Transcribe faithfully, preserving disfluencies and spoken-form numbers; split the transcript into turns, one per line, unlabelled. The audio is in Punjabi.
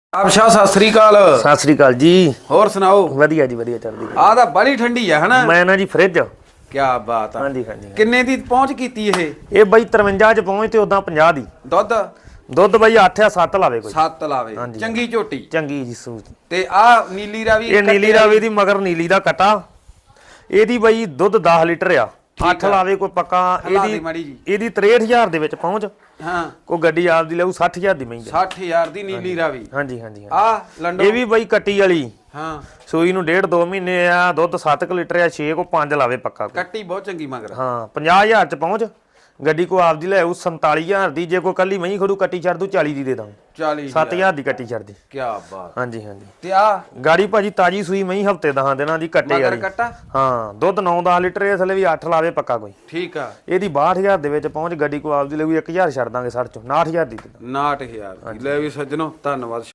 ਆਪਸ਼ਾ ਸਤਿ ਸ੍ਰੀ ਅਕਾਲ।
ਸਤਿ ਸ੍ਰੀ ਅਕਾਲ ਜੀ।
ਹੋਰ ਸੁਣਾਓ?
ਵਧੀਆ ਜੀ ਵਧੀਆ ਚੱਲਦੀ।
ਆਹ ਤਾਂ ਬੜੀ ਠੰਡੀ ਆ ਹਨਾ।
ਮੈਂ ਨਾ ਜੀ ਫ੍ਰਿਜ।
ਕੀ ਬਾਤ ਆ।
ਹਾਂਜੀ ਹਾਂਜੀ।
ਕਿੰਨੇ ਦੀ ਪਹੁੰਚ ਕੀਤੀ ਇਹ?
ਇਹ ਬਾਈ ਤਰਵੰਜਾ ਚ ਪਹੁੰਚ ਤੇ ਉਦਾਂ ਪੰਜਾਹ ਦੀ।
ਦੁੱਧ
ਦੁੱਧ ਬਾਈ ਅੱਠ ਆ ਸੱਤ ਲਾਵੇ ਕੋਈ।
ਸੱਤ ਲਾਵੇ। ਚੰਗੀ ਝੋਟੀ।
ਚੰਗੀ ਜੀ ਸੂਤ।
ਤੇ ਆ ਨੀਲੀ ਰਾਵੀ
ਇਹ ਨੀਲੀ ਰਾਵੀ ਦੀ ਮਗਰ ਨੀਲੀ ਦਾ ਕਟਾ। ਇਹਦੀ ਬਾਈ ਦੁੱਧ ਦਸ ਲੀਟਰ ਆ। ਅੱਠ ਲਾਵੇ ਕੋਈ ਪੱਕਾ। ਇਹਦੀ ਇਹਦੀ ਤਰੇਹਠ ਹਜ਼ਾਰ ਦੇ ਵਿੱਚ ਪਹੁੰਚ।
ਹਾਂ
ਕੋਈ ਗੱਡੀ ਆਪਦੀ ਲਊ ਸੱਠ ਹਜ਼ਾਰ ਦੀ ਮਹਿੰਗੀ।
ਸੱਠ ਹਜ਼ਾਰ ਦੀ ਨੀਲੀ ਰਾਵੀ।
ਹਾਂਜੀ ਹਾਂਜੀ।
ਆ ਲੰਡੋ
ਇਹ ਵੀ ਬਾਈ ਕੱਟੀ ਵਾਲੀ।
ਹਾਂ
ਸੂਈ ਨੂੰ ਡੇਢ ਦੋ ਮਹੀਨੇ ਆ। ਦੁੱਧ ਸੱਤ ਕੁ ਲੀਟਰ ਆ। ਛੇ ਕੋ ਪੰਜ ਲਾਵੇ ਪੱਕਾ।
ਕੱਟੀ ਬਹੁਤ ਚੰਗੀ ਮਗਰ।
ਹਾਂ ਪੰਜਾਹ ਹਜ਼ਾਰ ਚ ਪਹੁੰਚ। ਗੱਡੀ ਕੋ ਆਪਦੀ ਲੈ ਆਊ ਸੰਤਾਲੀ ਹਜ਼ਾਰ ਦੀ। ਜੇ ਕੋਈ ਕੱਲੀ ਮਹੀਂ ਖੜੂ ਕੱਟੀ ਛੱਡ ਦੂ ਚਾਲੀ ਦੀ ਦੇ ਦਾਂ।
ਚਾਲੀ
ਸੱਤ ਹਜ਼ਾਰ ਦੀ ਕੱਟੀ ਛੱਡਦੀ।
ਕੀ ਬਾਤ।
ਹਾਂਜੀ ਹਾਂਜੀ।
ਤੇ ਆ
ਗਾੜੀ ਭਾਜੀ ਤਾਜੀ ਸੂਈ ਮਹੀਂ ਹਫਤੇ ਦਸਾਂ ਦਿਨਾਂ ਦੀ ਕੱਟੇ ਵਾਲੀ।
ਕੱਟਾ
ਹਾਂ ਦੁੱਧ ਨੌ ਦਸ ਲੀਟਰ ਇਸ ਲਈ ਵੀ ਅੱਠ ਲਾਵੇ ਪੱਕਾ ਕੋਈ।
ਠੀਕ ਆ।
ਇਹਦੀ ਬਾਹਠ ਹਜ਼ਾਰ ਦੇ ਵਿੱਚ ਪਹੁੰਚ। ਗੱਡੀ ਕੋ ਆਪਦੀ ਲੈ ਇੱਕ ਹਜ਼ਾਰ ਛੱਡ ਦਾਂਗੇ ਸੱਠ ਚੋਂ ਉਨਾਹਠ ਹਜ਼ਾਰ ਦੀ।
ਉਨਾਹਠ ਹਜ਼ਾਰ ਲੈ ਵੀ ਸੱਜਣੋ ਧੰਨਵਾਦ।